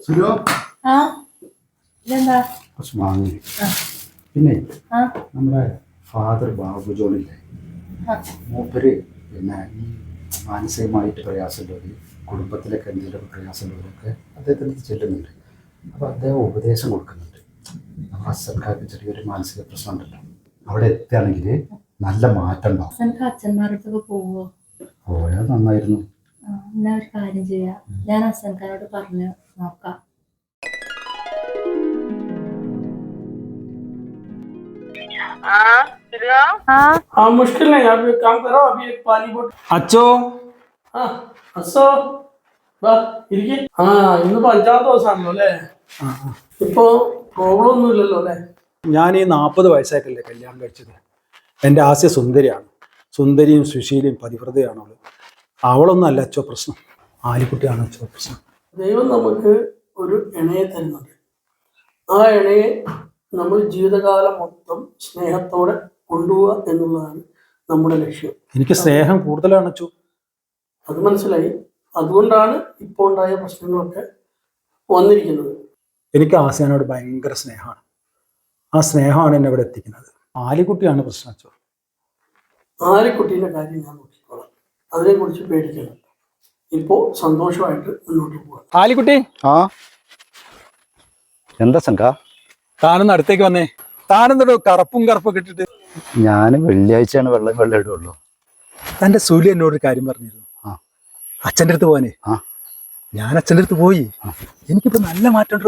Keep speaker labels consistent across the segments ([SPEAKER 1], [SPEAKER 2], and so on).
[SPEAKER 1] സുരോ
[SPEAKER 2] ഇതെന്താ
[SPEAKER 1] കുറച്ച് വാങ്ങി. പിന്നെ നമ്മുടെ ഫാദർ ബാബു ജോണില്ലേ, മൂപ്പര് പിന്നെ ഈ മാനസികമായിട്ട് പ്രയാസമുള്ളവർ, കുടുംബത്തിലൊക്കെ എന്തെങ്കിലും പ്രയാസമുള്ളവരൊക്കെ അദ്ദേഹത്തിന് ചെല്ലുന്നുണ്ട്. അപ്പോൾ അദ്ദേഹം ഉപദേശം കൊടുക്കുന്നുണ്ട്. നമ്മുടെ അച്ഛൻകാർക്ക് ചെറിയൊരു മാനസിക പ്രശ്നം ഉണ്ടല്ലോ, അവിടെ എത്തുകയാണെങ്കിൽ നല്ല മാറ്റം ഉണ്ടാവും.
[SPEAKER 2] അച്ഛന്മാരുടെ പോവോ?
[SPEAKER 1] പോയാൽ നന്നായിരുന്നു.
[SPEAKER 2] എന്നാ ഒരു കാര്യം ചെയ്യാം, ഞാൻ അച്ഛൻകാരോട് പറഞ്ഞു നോക്കാം.
[SPEAKER 3] हाँ मुश्किल नहीं, आप एक काम करो, अभी एक पानी बोट अच्छो അസോ ഇന്നിപ്പോ 5-ാം ദിവസമാണല്ലോ അല്ലേ? ഇപ്പോ പ്രോബ്ലം ഒന്നും ഇല്ലല്ലോ അല്ലേ?
[SPEAKER 4] ഞാൻ ഈ 40 വയസ്സായിട്ടല്ലേ കല്യാണം കഴിച്ചത്. എൻ്റെ ആസ്യ സുന്ദരിയാണ്, സുന്ദരിയും സുശീലയും പതിവ്രതയാണ് അവള്. അവളൊന്നും അല്ല അച്ചോ പ്രശ്നം, ആലിക്കുട്ടിയാണ് അച്ചോ പ്രശ്നം.
[SPEAKER 3] ദൈവം നമുക്ക് ഒരു ഇണയെ തരുന്നുണ്ട്. ആ ഇണയെ നമ്മൾ ജീവിതകാലം മൊത്തം സ്നേഹത്തോടെ കൊണ്ടുപോവുക എന്നുള്ളതാണ് നമ്മുടെ ലക്ഷ്യം.
[SPEAKER 4] എനിക്ക് സ്നേഹം കൂടുതലാണ് അച്ചു.
[SPEAKER 3] അത് മനസ്സിലായി. അതുകൊണ്ടാണ് ഇപ്പോൾ ഉണ്ടായ പ്രശ്നങ്ങളൊക്കെ വന്നിരിക്കുന്നത്.
[SPEAKER 4] എനിക്ക് ആസിയാനോട് ഭയങ്കര സ്നേഹമാണ്. ആ സ്നേഹമാണ് എന്നെ ഇവിടെ എത്തിക്കുന്നത്. ആലിക്കുട്ടിയാണ് പ്രശ്നം അച്ചു.
[SPEAKER 3] ആലിക്കുട്ടീൻ്റെ കാര്യം ഞാൻ നോക്കിക്കോളാം, അതിനെക്കുറിച്ച് പേടിക്കണം. ഇപ്പോൾ സന്തോഷമായിട്ട് മുന്നോട്ട് പോകാം.
[SPEAKER 4] ആലിക്കുട്ടി,
[SPEAKER 1] എന്താ സംഘ?
[SPEAKER 4] താനൊന്ന് അടുത്തേക്ക് വന്നേ. താനെന്തോ കറുപ്പൊക്കെ ഇട്ടിട്ട്?
[SPEAKER 1] ഞാൻ വെള്ളിയാഴ്ചയാണ് വെള്ളം ഇടുള്ളൂ.
[SPEAKER 4] തൻ്റെ സുലി എന്നോടൊരു കാര്യം പറഞ്ഞിരുന്നു, അച്ഛൻ്റെ അടുത്ത് പോവാനേ. ഞാൻ അച്ഛൻ്റെ അടുത്ത് പോയി. എനിക്കിപ്പോ നല്ല മാറ്റമുണ്ടോ.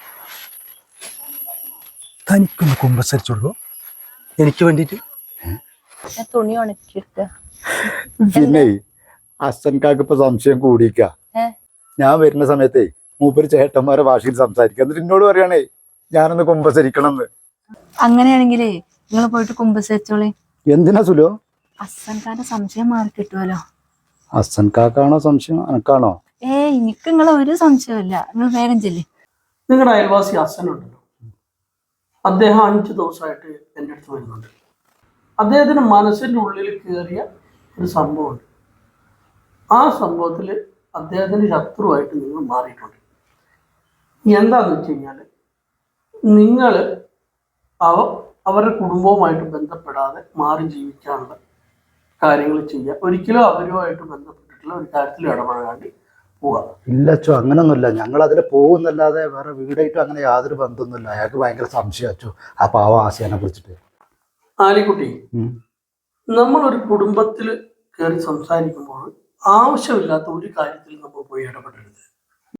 [SPEAKER 4] തനിക്കൊന്ന് കുമ്പസരിച്ചോളൂ എനിക്ക് വേണ്ടിട്ട്.
[SPEAKER 2] തുണി ഉണക്കിയിട്ട്
[SPEAKER 1] പിന്നെ അച്ഛൻകാർക്ക് ഇപ്പൊ സംശയം കൂടിക്ക. ഞാൻ വരുന്ന സമയത്തേ മൂപ്പര് ചേട്ടന്മാരെ ഭാഷയിൽ സംസാരിക്കുക, എന്നിട്ട് എന്നോട് പറയണേ ഞാനൊന്ന് കുമ്പസരിക്കണം എന്ന്.
[SPEAKER 2] അങ്ങനെയാണെങ്കിലേ നിങ്ങൾ പോയിട്ട് കുമ്പസരിച്ചോളി.
[SPEAKER 1] എന്തിനാ സുലോ?
[SPEAKER 2] അച്ഛൻകാരുടെ സംശയം മാറി കിട്ടുമല്ലോ.
[SPEAKER 1] അച്ഛൻകാക്കാണോ സംശയം, എനക്കാണോ?
[SPEAKER 2] എനിക്ക് നിങ്ങളെ ഒരു സംശയമില്ല, നിങ്ങൾ വേഗം ചെല്ലി.
[SPEAKER 3] നിങ്ങളുടെ അയൽവാസി അച്ഛനുണ്ടല്ലോ, അദ്ദേഹം 5 ദിവസമായിട്ട് എൻ്റെ അടുത്ത് വരുന്നുണ്ട്. അദ്ദേഹത്തിന് മനസ്സിൻ്റെ ഉള്ളിൽ കയറിയ ഒരു സംഭവമുണ്ട്. ആ സംഭവത്തിൽ അദ്ദേഹത്തിന് ശത്രുവായിട്ട് നിങ്ങൾ മാറിയിട്ടുണ്ട്. എന്താണെന്ന് വെച്ച് കഴിഞ്ഞാൽ, നിങ്ങൾ അവരുടെ കുടുംബവുമായിട്ട് ബന്ധപ്പെടാതെ മാറി ജീവിക്കാനുള്ള കാര്യങ്ങൾ ചെയ്യുക. ഒരിക്കലും അവരുമായിട്ട് ബന്ധപ്പെട്ടിട്ടുള്ള ഒരു കാര്യത്തിൽ ഇടപെടാണ്ട് പോവുക.
[SPEAKER 1] ഇല്ലച്ചോ, അങ്ങനൊന്നുമില്ല. ഞങ്ങൾ അതിൽ പോകുന്നല്ലാതെ വേറെ വീടായിട്ടും അങ്ങനെ യാതൊരു ബന്ധമൊന്നുമില്ല. അയാൾക്ക് ഭയങ്കര സംശയച്ചോ ആ പാവ ആശയാനെ കുറിച്ചിട്ട്.
[SPEAKER 3] ആലിക്കുട്ടി, നമ്മളൊരു കുടുംബത്തിൽ കയറി സംസാരിക്കുമ്പോൾ ആവശ്യമില്ലാത്ത ഒരു കാര്യത്തിൽ നമ്മൾ പോയി ഇടപെടരുത്.